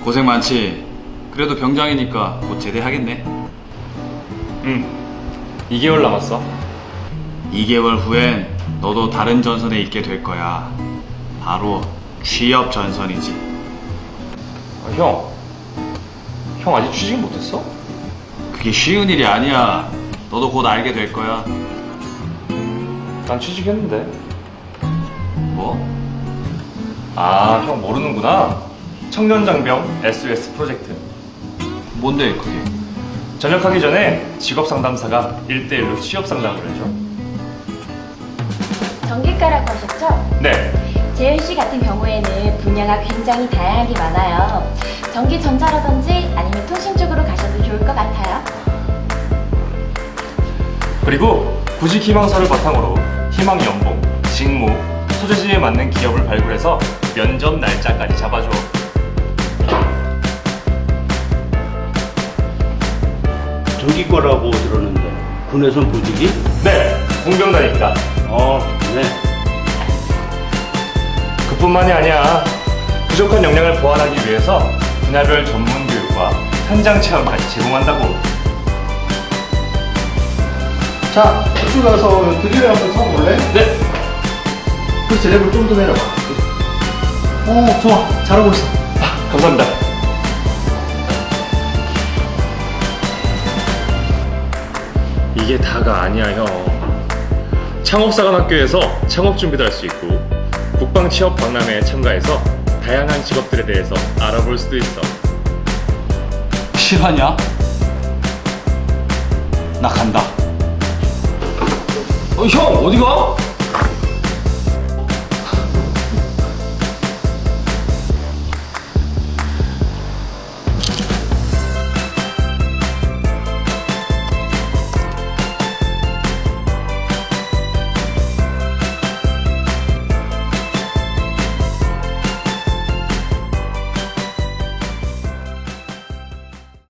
고생 많지. 그래도 병장이니까 곧 제대하겠네. 응. 2개월 남았어. 2개월 후엔 너도 다른 전선에 있게 될 거야. 바로 취업 전선이지. 형 아직 취직 못했어? 그게 쉬운 일이 아니야. 너도 곧 알게 될 거야. 난 취직했는데. 뭐? 아, 형 모르는구나. 청년장병 SOS 프로젝트. 뭔데 그게? 전역하기 전에 직업상담사가 1대1로 취업상담을 해줘. 전기과라고 하셨죠? 네. 재윤 씨 같은 경우에는 분야가 굉장히 다양하게 많아요. 전기 전자라든지 아니면 통신 쪽으로 가셔도 좋을 것 같아요. 그리고 구직 희망서를 바탕으로 희망 연봉, 직무, 소재지에 맞는 기업을 발굴해서 면접 날짜까지 잡아줘. 전기과라고 들었는데 군에선 보직이? 네, 공병단입니다. 네. 그뿐만이 아니야. 부족한 역량을 보완하기 위해서 분야별 전문 교육과 현장 체험까지 제공한다고. 자, 이쪽 가서 드릴을 한번 쳐볼래? 네. 그 쟤네를 좀 더 내려봐. 좋아. 잘하고 있어. 감사합니다. 이게 다가 아니야, 형. 창업사관학교에서 창업 준비도 할 수 있고 국방 취업 박람회에 참가해서 다양한 직업들에 대해서 알아볼 수도 있어. 실화냐? 나 간다. 형 어디 가?